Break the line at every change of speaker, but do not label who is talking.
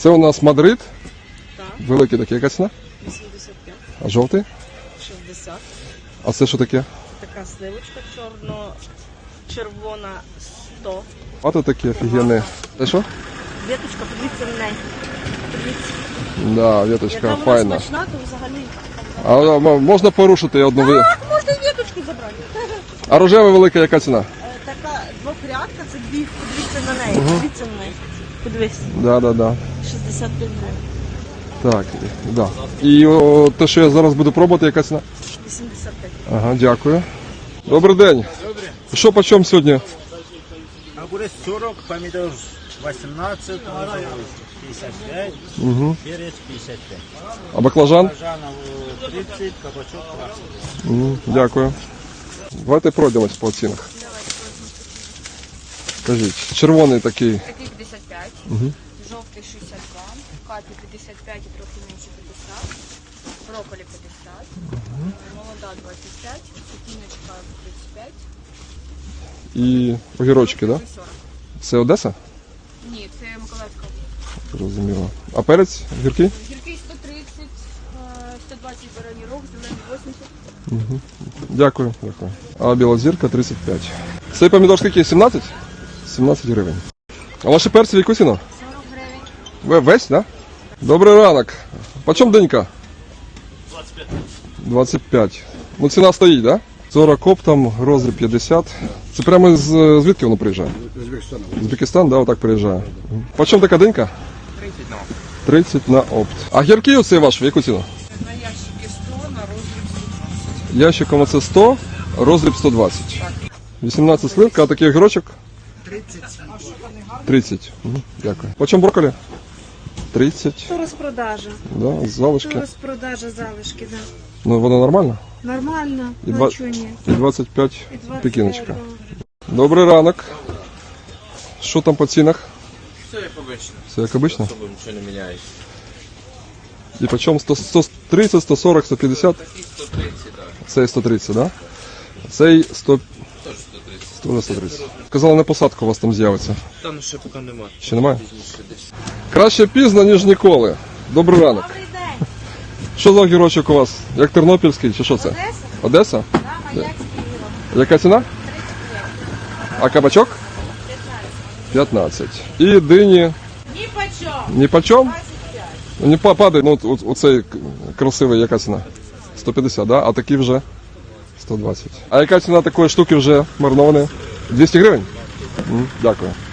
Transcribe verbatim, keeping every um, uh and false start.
Це у нас Мадрид.
Так.
Великий такий, яка ціна?
вісімдесят п'ять.
А жовтий?
шістдесят.
А це що таке?
Така сливочка чорно-червона сто.
А то такі офігенні. Це що?
Віточка, подивіться на неї. Подивіться.
Да, веточка
Яка вона
файна.
смачна, то взагалі.
А м- можна порушити одну ви.
Так, можна і віточку забрати.
А рожева велика, яка ціна?
Е, Така двохрядка, це дві, подивіться на неї. Подивіться на неї. Подивись.
Да, да, да.
шістдесят п'ять гривень.
Так, да. І о, те, що я зараз буду пробувати, яка ціна?
вісімдесят п'ять.
Ага, дякую. Добрий день.
Добре.
Що по чому сьогодні?
Огурец сорок, помидор восемнадцать, пятьдесят пять,
Угу.
перец пятьдесят пять.
А баклажан?
Баклажанов тридцать, кабачок двадцать.
Угу, дякую. Давайте пройдемось по цінах. Скажіть, червоний такий.
Такий п'ятдесят п'ять,
Угу.
жовтий шістдесят два, капі п'ятдесят п'ять і трохи менше п'ятдесят, брокколі п'ятдесят, молода двадцять п'ять, цукіночка тридцять п'ять,
І огірочки, так? Да?
сорок.
Це Одеса?
Ні, це Миколаївська.
Зрозуміло. А перець? Гіркий?
Гіркий сто тридцять, сто двадцять бараній рог, зелений вісімдесят.
Угу. Дякую, дякую. А білозірка тридцять п'ять. Цей помідор скільки? сімнадцять? сімнадцять гривень. А ваші перці в яку ціну?
сорок гривень.
Ви весь, так? Да? Добрий ранок. По чому денька? двадцять п'ять. двадцять п'ять. Ну ціна стоїть, так? Да? сорок оптом, розріб п'ятдесят. Це прямо з звідки воно приїжджає? З Узбекистану. З Узбекистан, да, отак приїжджає. По чому така денька?
тридцать на опт.
тридцять на опт. А гіркий оцей ваш, в яку ціну?
На ящики сто, на розріб сто двадцять.
Ящиком оце сто, розріб сто двадцять. вісімнадцять сливка, а такий огірочок?
тридцять.
тридцять. Угу, дякую. По чому брокколі? тридцять.
То розпродажа.
Да,
То
залишки.
розпродажа залишки, да.
Ну, воно нормально?
Нормально,
І,
ну
два...
чого ні.
І двадцять п'ять
І двадцять
пекіночка.
п'ять,
Добрий ранок. Що там по цінах?
Все як обично.
Все як обично?
Особо нічого не міняється.
І по чому? сто, сто тридцять, сто сорок, сто п'ятдесят?
Такий сто тридцять, так.
Цей сто тридцять, да? Цей сто...
Теж сто тридцять.
Теж сто тридцять. Казали, на посадку у вас там з'явиться.
Там ще поки немає.
Ще немає?
Пізніше десь.
Краще пізно, ніж ніколи. Добрий ранок.
Добрий день.
Що за огірочок у вас? Як тернопільський, чи що це?
Одеса?
Одеса?
Да, Маяцький гірок.
Яка ціна?
тридцять п'ять.
А кабачок?
п'ятнадцять.
п'ятнадцять. І дині
Ні по чому.
ні по чому?
двадцять п'ять.
Ну, не па- падає, ну от- оцей к- красивий, яка ціна? сто п'ятдесят, да? А такі вже сто двадцять. А яка ціна такої штуки вже маринованої? двісті гривень? М, Дякую.